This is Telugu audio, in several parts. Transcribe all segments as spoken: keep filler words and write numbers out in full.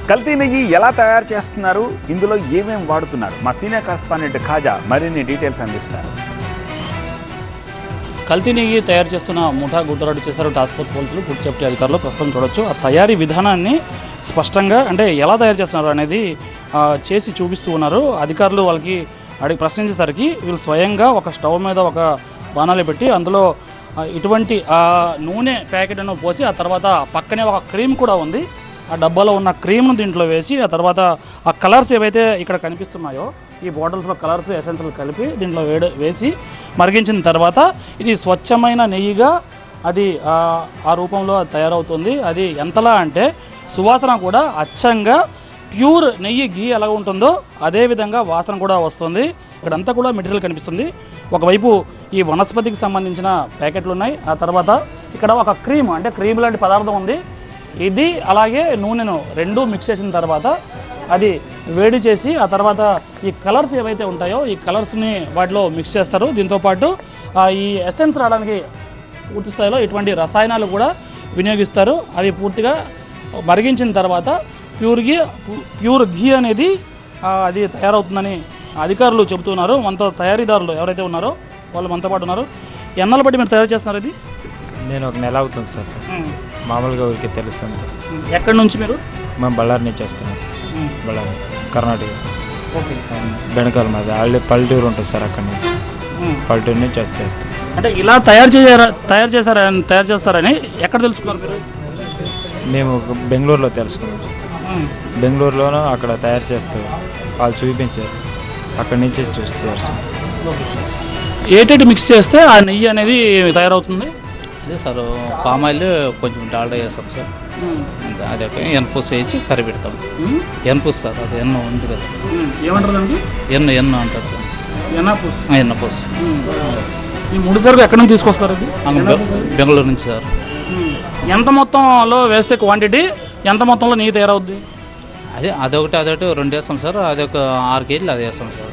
కల్తీ నెయ్యి ఎలా తయారు చేస్తున్నారు, ఇందులో ఏమేం వాడుతున్నారు, మా సీనియర్ కరెస్పాండెంట్ ఖాజా మరిన్ని డీటెయిల్స్ అందిస్తారు. కల్తీ నెయ్యి తయారు చేస్తున్న ముఠా గుర్తురాటు చేశారు టాస్క్ ఫోర్స్ పోలీసులు, ఫుడ్ సేఫ్టీ అధికారులు. ప్రస్తుతం చూడొచ్చు ఆ తయారీ విధానాన్ని స్పష్టంగా, అంటే ఎలా తయారు చేస్తున్నారు అనేది చేసి చూపిస్తూ ఉన్నారు. అధికారులు వాళ్ళకి అడిగి ప్రశ్నించేసరికి వీళ్ళు స్వయంగా ఒక స్టవ్ మీద ఒక బాణాలు పెట్టి అందులో ఇటువంటి ఆ నూనె ప్యాకెట్ను పోసి ఆ తర్వాత పక్కనే ఒక క్రీమ్ కూడా ఉంది, ఆ డబ్బాలో ఉన్న క్రీమ్ను దీంట్లో వేసి ఆ తర్వాత ఆ కలర్స్ ఏవైతే ఇక్కడ కనిపిస్తున్నాయో ఈ బాటిల్స్లో కలర్స్ ఎసెన్సులు కలిపి దీంట్లో వేడి వేసి మరిగించిన తర్వాత ఇది స్వచ్ఛమైన నెయ్యిగా అది ఆ రూపంలో తయారవుతుంది. అది ఎంతలా అంటే సువాసన కూడా అచ్చంగా ప్యూర్ నెయ్యి గీ ఎలా ఉంటుందో అదేవిధంగా వాసన కూడా వస్తుంది. ఇక్కడంతా కూడా మెటీరియల్ కనిపిస్తుంది. ఒకవైపు ఈ వనస్పతికి సంబంధించిన ప్యాకెట్లు ఉన్నాయి, ఆ తర్వాత ఇక్కడ ఒక క్రీమ్ అంటే క్రీమ్ లాంటి పదార్థం ఉంది. ఇది అలాగే నూనెను రెండూ మిక్స్ చేసిన తర్వాత అది వేడి చేసి ఆ తర్వాత ఈ కలర్స్ ఏవైతే ఉంటాయో ఈ కలర్స్ని వాటిలో మిక్స్ చేస్తారు. దీంతోపాటు ఈ ఎసెన్స్ రావడానికి పూర్తి స్థాయిలో ఇటువంటి రసాయనాలు కూడా వినియోగిస్తారు. అవి పూర్తిగా మరిగించిన తర్వాత ప్యూర్ ఘీ ప్యూర్ ఘీ అనేది అది తయారవుతుందని అధికారులు చెబుతున్నారు. మనతో తయారీదారులు ఎవరైతే ఉన్నారో వాళ్ళు మనతో పాటు ఉన్నారు. ఎన్నాళ్ళ బట్టి మీరు తయారు చేస్తున్నారు ఇది? నేను ఒక నెల అవుతుంది సార్. మామూలుగా ఊరికి తెలుస్తుంది. ఎక్కడి నుంచి మీరు? మేము బళ్ళారి నుంచి వస్తున్నాం. బళ్ళారి కర్ణాటక. ఓకే. బెనకాల మాది ఆల్రెడీ పల్లెటూరు ఉంటుంది సార్, అక్కడి నుంచి పల్లెటూరు నుంచి వచ్చేస్తాం. అంటే ఇలా తయారు చేయారా తయారు చేస్తారా తయారు చేస్తారని ఎక్కడ తెలుసుకున్నారు మీరు? మేము బెంగళూరులో తెలుసుకున్నాం. బెంగళూరులోనూ అక్కడ తయారు చేస్తారు, వాళ్ళు చూపించారు, అక్కడి నుంచి చూస్తారు. ఏటేటి మిక్స్ చేస్తే ఆ నెయ్యి అనేది తయారవుతుంది? అదే సార్, పామ్ ఆయిల్ కొంచెం డాల్డా వేస్తాం సార్, అదే ఎన్పూస్ వేసి కర్రీ పెడతాం. ఎన్పూస్ సార్, అది ఎన్న ఉంది కదా, ఏమంటారు దానికి? ఎన్న ఎన్న అంటారు సార్, ఎన్నపూస్. ఎన్నపూస్. ఈ ముడి సరుకు ఎక్కడి నుంచి తీసుకొస్తారు? బెంగళూరు నుంచి సార్. ఎంత మొత్తంలో వేస్తే క్వాంటిటీ ఎంత మొత్తంలో నెయ్యి తయారవుద్ది? అదే అదొకటి అదొకటి రెండు వేస్తాం సార్, అదొక ఆరు కేజీలు అది వేస్తాం సార్,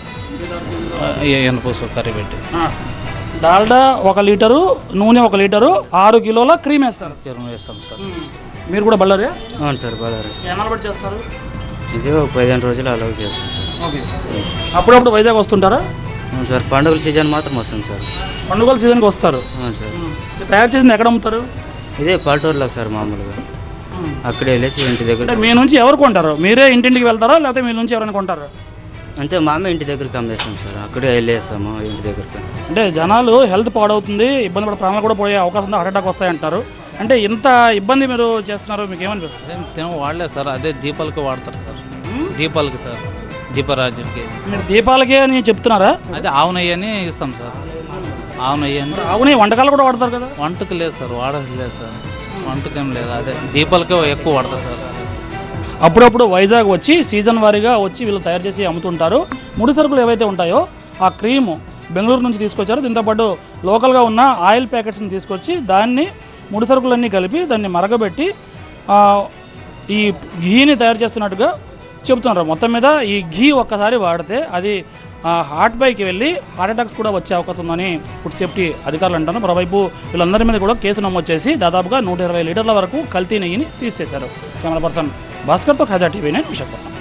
ఎన్నపూస్ కర్రీ పెట్టి. డాల్డా ఒక లీటరు, నూనె ఒక లీటరు, ఆరు కిలోల క్రీమ్ వేస్తారు. క్రీమ్ వేస్తాం సార్. మీరు కూడా బళ్ళారే? అవును సార్, బళ్ళారి. ఎన్నాళ్ళు బట్టి చేస్తారు ఇది? ఒక పదిహేను రోజులు అలాగే చేస్తాం సార్. ఓకే. అప్పుడప్పుడు వైజాగ్ వస్తుంటారా? అవును సార్, పండుగల సీజన్ మాత్రం వస్తాం సార్. పండుగల సీజన్కి వస్తారు? అవును సార్. తయారు చేసింది ఎక్కడ అమ్ముతారు? ఇదే పల్లెటూరులో సార్, మామూలుగా అక్కడే వెళ్ళేసి ఇంటి దగ్గర. మీ నుంచి ఎవరు కొంటారు? మీరే ఇంటింటికి వెళ్తారా లేకపోతే మీ నుంచి ఎవరైనా కొంటారా? అంతే, మామే ఇంటి దగ్గరికి అమ్మేస్తాం సార్, అక్కడే వెళ్ళేస్తాము ఇంటి దగ్గరికి. అంటే జనాలు హెల్త్ పాడవుతుంది, ఇబ్బంది పడే ప్రాణాలు కూడా పోయే అవకాశం ఉంది, హార్ట్ అటాక్ వస్తాయంటారు. అంటే ఇంత ఇబ్బంది మీరు చేస్తున్నారు, మీకు ఏమనిపిస్తుంది? అదే వాడలేదు సార్, అదే దీపాలకి వాడతారు సార్, దీపాలకి సార్, దీపరాజుకి. మీరు దీపాలకే అని చెప్తున్నారా? అదే ఆవు నెయ్యి అని ఇస్తాం సార్, ఆవు నెయ్యి అని. ఆవు నెయ్యి వంటకాలు కూడా వాడతారు కదా? వంటకు లేదు సార్, వాడలేదు సార్, వంటకేం లేదు, అదే దీపాలకే ఎక్కువ వాడతారు సార్. అప్పుడప్పుడు వైజాగ్ వచ్చి సీజన్ వారీగా వచ్చి వీళ్ళు తయారు చేసి అమ్ముతుంటారు. ముడి సరుకులు ఏవైతే ఉంటాయో ఆ క్రీము బెంగళూరు నుంచి తీసుకొచ్చారు. దీంతోపాటు లోకల్గా ఉన్న ఆయిల్ ప్యాకెట్స్ని తీసుకొచ్చి దాన్ని ముడి సరుకులన్నీ కలిపి దాన్ని మరగబెట్టి ఈ ఘీని తయారు చేస్తున్నట్టుగా చెబుతున్నారు. మొత్తం మీద ఈ ఘీ ఒక్కసారి వాడితే అది హార్ట్ బైకి వెళ్ళి హార్ట్ అటాక్స్ కూడా వచ్చే అవకాశం ఉందని ఫుడ్ సేఫ్టీ అధికారులు అంటారు. మరోవైపు వీళ్ళందరి మీద కూడా కేసు నమోదు చేసి దాదాపుగా నూట ఇరవై లీటర్ల వరకు కల్తీ నెయ్యిని సీజ్ చేశారు. కెమెరా పర్సన్ భాస్కర్తో ఖాజా టీవీ నైన్ విశాఖపట్నం.